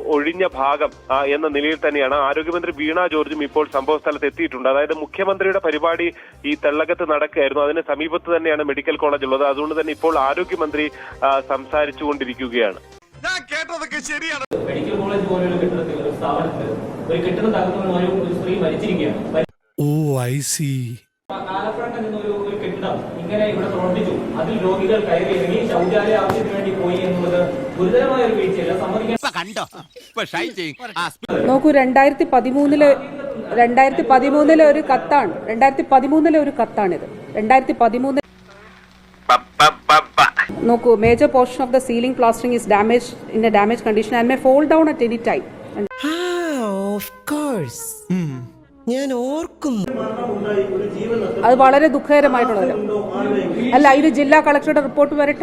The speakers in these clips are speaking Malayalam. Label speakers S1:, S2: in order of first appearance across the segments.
S1: ഒഴിഞ്ഞ ഭാഗം എന്ന നിലയിൽ തന്നെയാണ് ആരോഗ്യമന്ത്രി വീണ ജോർജും ഇപ്പോൾ സംഭവ സ്ഥലത്ത് എത്തിയിട്ടുണ്ട്. അതായത് മുഖ്യമന്ത്രിയുടെ പരിപാടി ഈ തെള്ളകത്ത് നടക്കുകയായിരുന്നു. അതിന് സമീപത്ത് തന്നെയാണ് മെഡിക്കൽ കോളേജ് ഉള്ളത്. അതുകൊണ്ട് തന്നെ ഇപ്പോൾ ആരോഗ്യമന്ത്രി സംസാരിച്ചുകൊണ്ടിരിക്കുകയാണ്.
S2: മെഡിക്കൽ കോളേജ് പോലുള്ള കെട്ടിടത്തിൽ ഒരു സ്ഥാപനത്തിൽ ഒരു കെട്ടിടം തകർന്നു ഒരു സ്ത്രീ മരിച്ചിരിക്കുകയാണ്. ആലപ്പുഴയിൽ നിന്ന് ഒരു കെട്ടിടം ഇങ്ങനെ ഇവിടെ പ്രവർത്തിച്ചു. അതിൽ രോഗികൾ കയറി ഇറങ്ങി ശൗചാലയ ആവശ്യത്തിന് വേണ്ടി പോയി എന്നുള്ളത് ഗുരുതരമായ ഒരു വീഴ്ചയല്ല. സമ്മതിക്കാൻ
S3: നോക്കൂ, 2013 ഒരു കത്താണ്. 2013 ഒരു കത്താണിത്. 2013 നോക്കൂ, major portion of the ceiling plastering is damage in a damage condition and may fall down at any time.
S4: ഞാൻ ഓർക്കുന്നു.
S3: അത് വളരെ ദുഃഖകരമായിട്ടുള്ളത് അല്ല. ഇത് ജില്ലാ കളക്ടറുടെ റിപ്പോർട്ട് വരട്ടെ.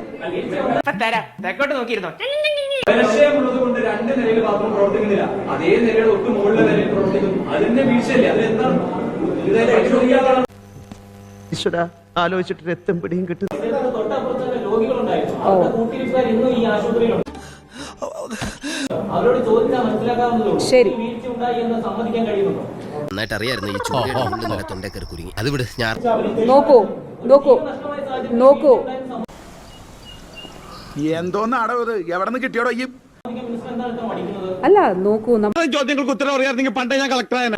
S2: കൊണ്ട് രണ്ട് നിലയിൽ മാത്രം പ്രവർത്തിക്കുന്നില്ല, അതേ നിലയുടെ ഒട്ടും മുകളിലെ നിലയിൽ പ്രവർത്തിക്കുന്നു. അതിന്റെ വീഴ്ചയല്ലേ? അതെന്താണ്
S4: ആലോചിച്ചിട്ട് രക്തം പിടിയും കിട്ടും.
S2: തൊട്ടപ്പുറത്ത് രോഗികളുണ്ടായിരുന്നു. അവരുടെ കൂട്ടിരിപ്പുകാർ ഇന്നും ഈ ആശുപത്രിയിലുണ്ട്. അവരോട് ചോദിച്ചാൽ മനസ്സിലാക്കാവുന്നതേ ഉള്ളൂ.
S3: ശരി,
S2: വീഴ്ച ഉണ്ടായി എന്ന് സമ്മതിക്കാൻ കഴിയുന്നുണ്ടോ?
S5: നന്നായിട്ടറിയായിരുന്നു ഈ ചൂടിന്റെ തൊണ്ടക്കറി കുരുങ്ങി. അത് വിട്. ഞാൻ
S3: നോക്കൂ
S6: എന്തോന്നാടോ ഇത്? എവിടെ നിന്ന് കിട്ടിയോടോ ഈ
S3: അല്ല, നോക്കൂ,
S6: ചോദ്യങ്ങൾക്ക് ഉത്തരം അറിയാമെങ്കിൽ പണ്ടേ ഞാൻ കളക്ടറായിരുന്നു.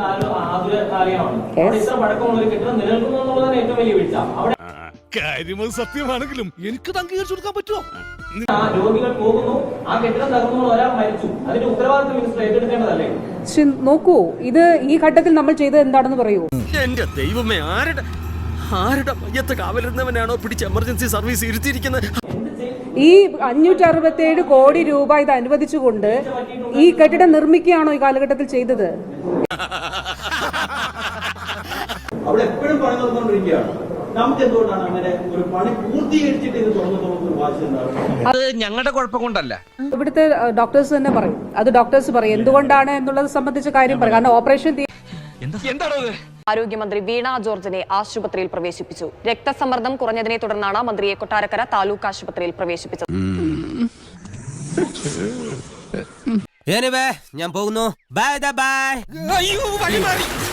S2: ഇത്ര പഴക്കമുള്ള ഒരു കെട്ടിടം നിലനിൽക്കുന്നു എന്നുള്ളതാണ് ഏറ്റവും വലിയ വീഴ്ച. അവിടെ
S6: കാര്യം സത്യമാണെങ്കിലും എനിക്ക് അംഗീകരിച്ചു കൊടുക്കാൻ പറ്റുമോ?
S2: രോഗികൾ പോകുന്നു, ആ കെട്ടിടം തകർന്നു, ഒരാൾ മരിച്ചു. അതിന്റെ ഉത്തരവാദിത്വം മിനിസ്റ്റർ ഏറ്റെടുക്കേണ്ടതല്ലേ?
S3: നോക്കൂ, ഇത് ഈ ഘട്ടത്തിൽ നമ്മൾ ചെയ്തത് എന്താണെന്ന് പറയൂ.
S5: എന്റെ ദൈവമേ, ആരുടെ മയ്യത്ത് കാവലിരുന്നവനാണോ പിടിച്ച് എമർജൻസി സർവീസ് ഇരുത്തിയിരിക്കുന്നത്?
S3: ഈ 567 കോടി രൂപ ഇത് അനുവദിച്ചുകൊണ്ട് ഈ കെട്ടിടം നിർമ്മിക്കുകയാണോ ഈ കാലഘട്ടത്തിൽ ചെയ്തത്?
S2: അവിടെ എപ്പോഴും പണി നടന്നുകൊണ്ടിരിക്കുകയാണ്. നമുക്ക് എന്തുകൊണ്ടാണ് അങ്ങനെ ഒരു പണി പൂർത്തീകരിച്ചിട്ട് ഇത് തുറന്നു വാശിയുണ്ടാവുന്നത്?
S5: അത് ഞങ്ങളുടെ കുഴപ്പം കൊണ്ടല്ല.
S3: ഇവിടുത്തെ ഡോക്ടേഴ്സ് തന്നെ പറയും. അത് ഡോക്ടേഴ്സ് പറയും എന്തുകൊണ്ടാണ് എന്നുള്ളത് സംബന്ധിച്ച കാര്യം പറയും. കാരണം ഓപ്പറേഷൻ
S7: ആരോഗ്യമന്ത്രി വീണ ജോർജിനെ ആശുപത്രിയിൽ പ്രവേശിപ്പിച്ചു. രക്തസമ്മർദ്ദം കുറഞ്ഞതിനെ തുടർന്നാണ് മന്ത്രിയെ കൊട്ടാരക്കര താലൂക്ക് ആശുപത്രിയിൽ പ്രവേശിപ്പിച്ചത്.
S5: ഞാൻ പോകുന്നു. ബൈ.